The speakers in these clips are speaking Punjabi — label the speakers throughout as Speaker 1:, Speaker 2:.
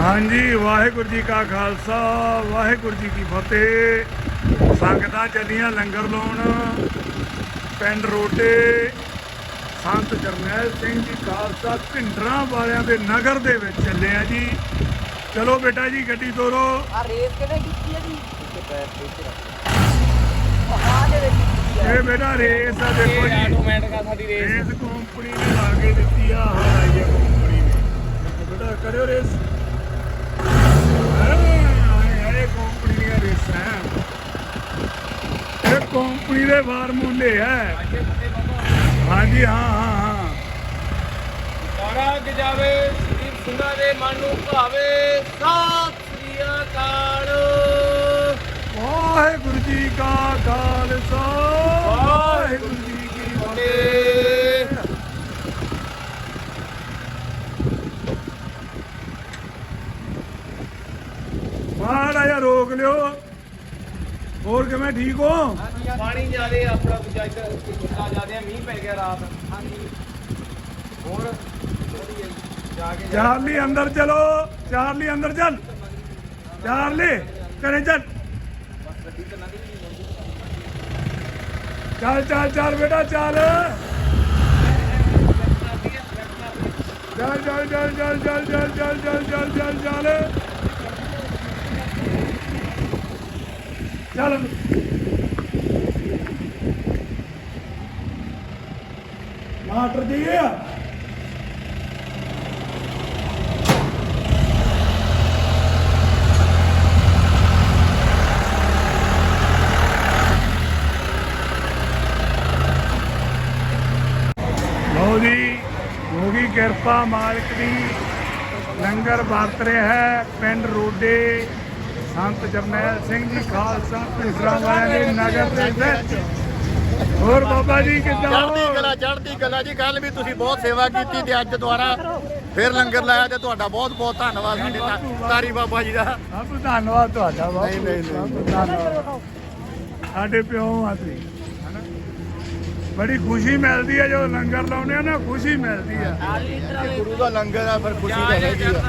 Speaker 1: ਹਾਂਜੀ ਵਾਹਿਗੁਰੂ ਜੀ ਕਾ ਖਾਲਸਾ ਵਾਹਿਗੁਰੂ ਜੀ ਕੀ ਫਤਿਹ। ਸੰਗਤਾਂ ਚੱਲੀਆਂ ਲੰਗਰ ਲਾਉਣ ਪਿੰਡ ਰੋਡੇ ਸੰਤ ਜਰਨੈਲ ਸਿੰਘ ਜੀ ਖਾਲਸਾ ਭਿੰਡਰਾਂ ਵਾਲਿਆਂ ਦੇ ਨਗਰ ਦੇ ਵਿੱਚ ਚੱਲੇ ਆ ਜੀ। ਚਲੋ ਬੇਟਾ ਜੀ ਗੱਡੀ ਤੋਰੋ।
Speaker 2: ਆ ਰੇਸ ਕਿਵੇਂ ਕੀਤੀ ਹੈ ਜੀ?
Speaker 1: ਇਹ ਬੇਟਾ ਰੇਸ ਆ ਦੇਖੋ ਜੀ,
Speaker 2: ਆਟੋਮੈਟਿਕ ਆ ਸਾਡੀ
Speaker 1: ਰੇਸ ਕੰਪਨੀ ਨੇ ਲਾ ਕੇ ਦਿੱਤੀ ਆ। ਹਾਈ ਕੰਪਨੀ ਨੇ ਬੇਟਾ ਕਰਿਓ ਰੇਸ। ਇਹ ਕੰਪਨੀ ਦੀਆਂ ਰੇਸਾਂ ਇਹ ਕੰਪਨੀ ਦੇ ਫਾਰਮੂਲੇ ਹੈ। ਹਾਂਜੀ ਹਾਂ
Speaker 2: ਸਾਰਾ ਜਾਵੇ ਦੀਪ ਸਿੰਘਾਂ ਦੇ ਮਨ ਨੂੰ ਭਾਵੇ। ਸਤਿ ਸ੍ਰੀ ਅਕਾਲ।
Speaker 1: ਵਾਹਿਗੁਰੂ ਜੀ ਕਾ ਖਾਲਸਾ ਵਾਹਿਗੁਰੂ ਜੀ ਕੀ ਫਤਿਹ। ਮਾੜਾ ਜਿਹਾ ਰੋਕ ਲਿਓ। ਹੋਰ ਕਿਵੇਂ ਠੀਕ ਹੋ?
Speaker 2: ਪਾਣੀ ਜ਼ਿਆਦੇ ਆਪਣਾ ਦੂਜਾ ਇੱਧਰ ਕਿੰਨਾ ਜ਼ਿਆਦੇ ਮੀਂਹ ਪੈ ਗਿਆ ਰਾਤ। ਹਾਂਜੀ ਹੋਰ ਜਾ ਕੇ
Speaker 1: ਚਾਰਲੀ ਅੰਦਰ ਚਲੋ। ਚਾਰਲੀ ਅੰਦਰ ਚੱਲ। ਚਾਰਲੀ ਕਰੇ ਚੱਲ। ਚੱਲ ਚੱਲ ਚੱਲ ਬੇਟਾ ਚੱਲ। ਚੱਲ ਚੱਲ ਚੱਲ ਚੱਲ ਚੱਲ ਚੱਲ ਚੱਲ ਚੱਲ ਚੱਲ ਚੱਲ ਚੱਲ ਚੱਲ। ਮਾਸਟਰ ਜੀ ਲਓ ਜੀ, ਹੋ ਗਈ ਕਿਰਪਾ ਮਾਲਕ ਦੀ। ਲੰਗਰ ਵਰਤ ਰਿਹਾ ਹੈ ਪਿੰਡ ਰੋਡੇ ਸੰਤ ਜਰਨੈਲ ਸਿੰਘ ਜੀ ਖਾਲਸਾ ਭਿੰਡਰਾਂ ਵਾਲਿਆਂ ਦੇ ਨਗਰ ਦੇ ਵਿੱਚ। ਹੋਰ ਬਾਬਾ ਜੀ ਕਿੱਦਾਂ?
Speaker 3: ਚੜ੍ਹਦੀ ਕਲਾ ਜੀ। ਕੱਲ ਵੀ ਤੁਸੀਂ ਬਹੁਤ ਸੇਵਾ ਕੀਤੀ ਤੇ ਅੱਜ ਦੁਆਰਾ ਫਿਰ ਲੰਗਰ ਲਾਇਆ ਤੇ ਤੁਹਾਡਾ ਬਹੁਤ ਬਹੁਤ ਧੰਨਵਾਦ ਸਾਡੇ ਤਾਰੀ ਬਾਬਾ ਜੀ ਦਾ।
Speaker 1: ਸਭ ਧੰਨਵਾਦ ਤੁਹਾਡਾ ਬਾਬਾ।
Speaker 3: ਨਹੀਂ।
Speaker 1: ਧੰਨਵਾਦ। ਸਾਡੇ ਪਿਓ ਆ ਤੁਸੀਂ। ਬੜੀ ਖੁਸ਼ੀ ਮਿਲਦੀ ਹੈ ਜਦੋਂ ਲੰਗਰ ਲਾਉਂਦੇ ਆ ਨਾ, ਖੁਸ਼ੀ ਮਿਲਦੀ ਹੈ।
Speaker 3: ਗੁਰੂ ਦਾ ਲੰਗਰ ਆ ਫਿਰ ਖੁਸ਼ੀ ਤਾਂ ਹੈਗੀ ਆ।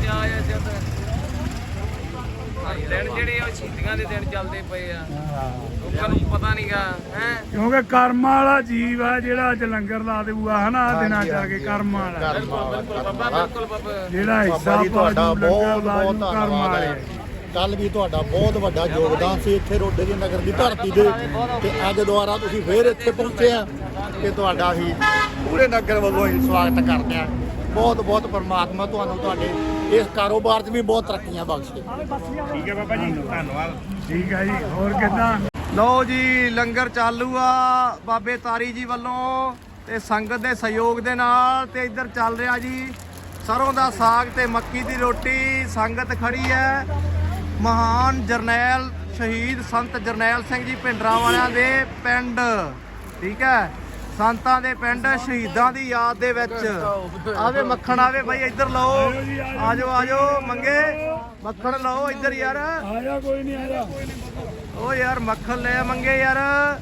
Speaker 2: ਦਿਨ ਜਿਹੜੇ ਉਹ ਸ਼ਹੀਦੀਆਂ ਦੇ ਦਿਨ ਚੱਲਦੇ ਪਏ ਆ। ਲੋਕਾਂ ਨੂੰ ਪਤਾ ਨਹੀਂਗਾ ਹੈ
Speaker 1: ਕਿਉਂਕਿ ਕਰਮ ਵਾਲਾ ਜੀਵ ਆ ਜਿਹੜਾ ਅੱਜ ਲੰਗਰ ਲਾ ਦੇਊਗਾ ਹਨਾ ਦਿਨਾਂ ਚ ਆ ਕੇ। ਕਰਮ ਵਾਲਾ
Speaker 2: ਬਿਲਕੁਲ ਬਾਬਾ।
Speaker 1: ਜਿਹੜਾ ਹਿੱਸਾ
Speaker 3: ਬਾਬਾ ਜੀ ਤੁਹਾਡਾ ਬਹੁਤ ਬਹੁਤ
Speaker 1: ਕਰਮ
Speaker 3: ਧੰਨਵਾਦ
Speaker 1: ਵਾਲੇ।
Speaker 3: ਹੈ। ਕੱਲ ਵੀ ਤੁਹਾਡਾ ਬਹੁਤ ਵੱਡਾ ਯੋਗਦਾਨ ਸੀ ਇੱਥੇ ਰੋਡੇ ਦੀ ਨਗਰ ਦੀ ਧਰਤੀ ਦੇ ਤੇ ਅੱਜ ਦੁਆਰਾ ਤੁਸੀਂ ਫੇਰ ਇੱਥੇ ਪਹੁੰਚੇ ਆ ਤੇ ਤੁਹਾਡਾ ਹੀ ਪੂਰੇ ਨਗਰ ਵੱਲੋਂ ਹੀ ਸਵਾਗਤ ਕਰਦੇ ਆ। ਬਹੁਤ ਬਹੁਤ ਪਰਮਾਤਮਾ ਤੁਹਾਨੂੰ ਤੁਹਾਡੇ ਇਸ ਕਾਰੋਬਾਰ 'ਚ ਵੀ ਬਹੁਤ ਤਰੱਕੀਆਂ ਬਖਸ਼ੇ।
Speaker 1: ਠੀਕ ਹੈ ਬਾਬਾ ਜੀ, ਧੰਨਵਾਦ। ਠੀਕ ਹੈ ਜੀ। ਹੋਰ ਕਿੱਦਾਂ?
Speaker 4: ਲਓ ਜੀ ਲੰਗਰ ਚਾਲੂ ਆ ਬਾਬੇ ਤਾਰੀ ਜੀ ਵੱਲੋਂ ਤੇ ਸੰਗਤ ਦੇ ਸਹਿਯੋਗ ਦੇ ਨਾਲ। ਤੇ ਇੱਧਰ ਚੱਲ ਰਿਹਾ ਜੀ ਸਰੋਂ ਦਾ ਸਾਗ ਤੇ ਮੱਕੀ ਦੀ ਰੋਟੀ। ਸੰਗਤ ਖੜੀ ਹੈ ਮਹਾਨ ਜਰਨੈਲ ਸ਼ਹੀਦ ਸੰਤ ਜਰਨੈਲ ਸਿੰਘ ਜੀ ਭਿੰਡਰਾਂ ਵਾਲਿਆਂ ਦੇ ਪਿੰਡ। ਠੀਕ ਹੈ, ਸੰਤਾਂ ਦੇ ਪਿੰਡ ਸ਼ਹੀਦਾਂ ਦੀ ਯਾਦ ਦੇ ਵਿੱਚ। ਆਵੇ ਮੱਖਣ ਆਵੇ ਬਾਈ ਇੱਧਰ ਲਓ। ਆਜੋ ਆਜੋ ਮੰਗੇ ਮੱਖਣ ਲਓ ਇੱਧਰ ਯਾਰ।
Speaker 1: ਆਇਆ ਕੋਈ ਨਹੀਂ ਆਇਆ।
Speaker 4: ਓ ਯਾਰ ਮੱਖਣ ਲੈ ਮੰਗੇ ਯਾਰ।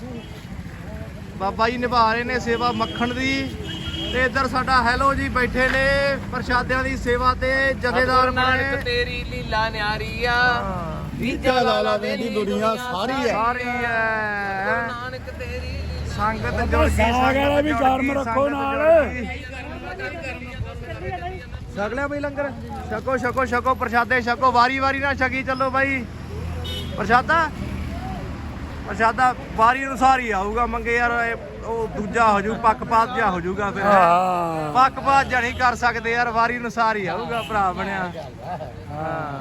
Speaker 4: ਬਾਬਾ ਜੀ ਨਿਭਾ ਰਹੇ ਨੇ ਸੇਵਾ ਮੱਖਣ ਦੀ। ਤੇ ਇੱਧਰ ਸਾਡਾ ਹੈਲੋ ਜੀ ਬੈਠੇ ਨੇ ਪ੍ਰਸ਼ਾਦਿਆਂ ਦੀ ਸੇਵਾ ਤੇ ਜਥੇਦਾਰ
Speaker 2: ਨਾਨਕ
Speaker 4: ਬਣੇ।
Speaker 2: ਤੇਰੀ ਲੀਲਾ ਨਿਆਰੀ ਆ।
Speaker 3: ਵੀਜਾ ਲਾਲਾ ਵੇਂਦੀ ਦੁਨੀਆ ਸਾਰੀ ਹੈ।
Speaker 4: ਸਾਰੀ ਹੈ
Speaker 2: ਨਾਨਕ ਤੇਰੀ
Speaker 4: ਸੰਗਤ ਜੁੜ ਗਈ।
Speaker 1: ਸਾਗ ਵਾਲਾ ਵੀ ਗਰਮ ਰੱਖੋ ਨਾਲ।
Speaker 4: ਛਕ ਲਿਆ ਬਈ ਲੰਗਰ। ਛਕੋ ਛਕੋ ਛਕੋ ਪ੍ਰਸ਼ਾਦੇ ਛਕੋ। ਵਾਰੀ ਵਾਰੀ ਨਾਲ ਛਕੀ ਚੱਲੋ ਬਾਈ। ਪ੍ਰਸ਼ਾਦਾ ਵਾਰੀ ਅਨੁਸਾਰ ਹੀ ਆਊਗਾ ਮੰਗੇ ਯਾਰ। ਉਹ ਦੂਜਾ ਹੋ ਜੂ ਪੱਕਪਾਤ ਜਿਹਾ ਹੋ ਜੂਗਾ ਫਿਰ।
Speaker 1: ਹਾਂ
Speaker 4: ਪੱਕਪਾਤ ਜਾਂ ਨਹੀਂ ਕਰ ਸਕਦੇ ਯਾਰ। ਵਾਰੀ ਅਨੁਸਾਰ ਹੀ ਆਊਗਾ ਭਰਾ ਬਣਿਆ। ਹਾਂ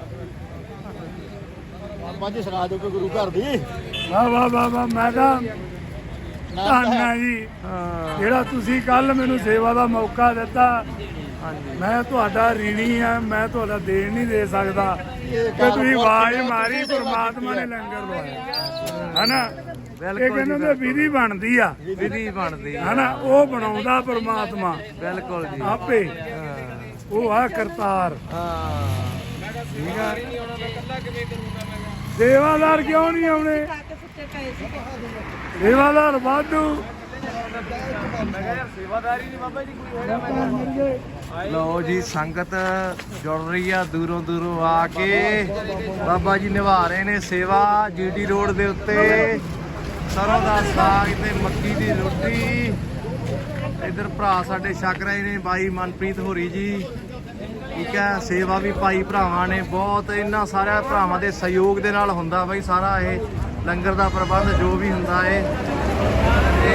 Speaker 3: ਬਾਬਾ ਜੀ ਸੁਣਾ ਦਿਓ ਕਿ ਗੁਰੂ ਘਰ ਦੀ
Speaker 1: ਵਾਹ ਵਾਹ ਵਾਹ ਵਾਹ। ਮੈਂ ਤਾਂ ਧੰਨਾ ਜੀ ਜਿਹੜਾ ਤੁਸੀਂ ਕੱਲ ਮੈਨੂੰ ਸੇਵਾ ਦਾ ਮੌਕਾ ਦਿੱਤਾ। ਮੈਂ ਤੁਹਾਡਾ ਰੀਣੀ ਆ। ਮੈਂ ਤੁਹਾਡਾ ਦੇਣ ਨਹੀਂ ਦੇ ਸਕਦਾ ਕਿ ਤੁਸੀਂ ਆਵਾਜ਼ ਮਾਰੀ ਪਰਮਾਤਮਾ ਨੇ ਲੰਗਰ ਲਵਾਇਆ ਹਨਾ। ਇਹ ਕਹਿੰਦੇ ਨੇ ਵਿਧੀ ਬਣਦੀ ਆ।
Speaker 4: ਵਿਧੀ ਬਣਦੀ
Speaker 1: ਹਨਾ ਉਹ ਬਣਾਉਂਦਾ ਪਰਮਾਤਮਾ
Speaker 4: ਬਿਲਕੁਲ ਜੀ।
Speaker 1: ਆਪੇ। ਉਹ ਆ ਕਰਤਾਰ।
Speaker 4: ਠੀਕ ਆ।
Speaker 1: ਸੇਵਾਦਾਰ ਕਿਉਂ ਨਹੀਂ ਆਉਣੇ? ਸੇਵਾਦਾਰ ਵਾਧੂ
Speaker 2: ਮੈਂ ਕਿਹਾ ਯਾਰ ਸੇਵਾਦਾਰੀ ਨਹੀਂ ਬਾਬਾ ਜੀ ਕੋਈ ਹੈਗਾ ਮੈਂ
Speaker 1: ਮਿਲ ਗਏ
Speaker 4: ਲਓ ਜੀ ਸੰਗਤ ਜੁੜ ਰਹੀ ਆ ਦੂਰੋਂ ਦੂਰੋਂ ਆ ਕੇ ਬਾਬਾ ਜੀ ਨਿਭਾ ਰਹੇ ਨੇ ਸੇਵਾ ਜੀਟੀ ਰੋਡ ਦੇ ਉੱਤੇ ਸਰੋਂ ਦਾ ਸਾਗ ਤੇ ਮੱਕੀ ਦੀ ਰੋਟੀ ਇਧਰ ਭਰਾ ਸਾਡੇ ਛਕ ਰਹੇ ਨੇ ਬਾਈ ਮਨਪ੍ਰੀਤ ਹੋਰੀ ਜੀ ਠੀਕ ਹੈ ਸੇਵਾ ਵੀ ਭਾਈ ਭਰਾਵਾਂ ਨੇ ਬਹੁਤ ਇਹਨਾਂ ਸਾਰਿਆਂ ਭਰਾਵਾਂ ਦੇ ਸਹਿਯੋਗ ਦੇ ਨਾਲ ਹੁੰਦਾ ਬਾਈ ਸਾਰਾ ਇਹ ਲੰਗਰ ਦਾ ਪ੍ਰਬੰਧ ਜੋ ਵੀ ਹੁੰਦਾ ਏ ਤੇ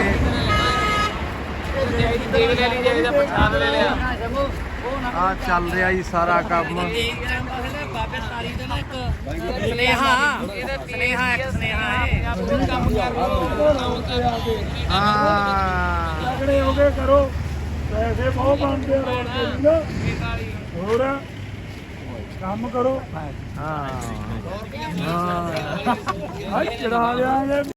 Speaker 2: ਦੇਖ ਲੈ ਲਈ ਜੇ ਪ੍ਰਸ਼ਾਦ ਲੈ ਲਿਆ
Speaker 4: ਆ ਚੱਲ ਰਿਹਾ ਜੀ ਸਾਰਾ ਕੰਮ
Speaker 2: ਬਾਬੇ ਤਾਰੀ ਦੇ ਨਾ ਇੱਕ ਸਨੇਹਾ ਇਹਦਾ ਸਨੇਹਾ ਇੱਕ ਸਨੇਹਾ ਹੈ ਆਪਣਾ ਕੰਮ ਕਰ
Speaker 4: ਹਾਂ
Speaker 1: ਤਗੜੇ ਹੋ ਕੇ ਕਰੋ ਪੈਸੇ ਬਹੁਤ ਬਣਦੇ ਆ ਰੋਡ ਤੇ ਜੀ ਨਾ ਹੋਰ ਕੰਮ ਕਰੋ
Speaker 4: ਹਾਂ
Speaker 1: ਹਾਂ ਚੜਾ ਲਿਆਂਗੇ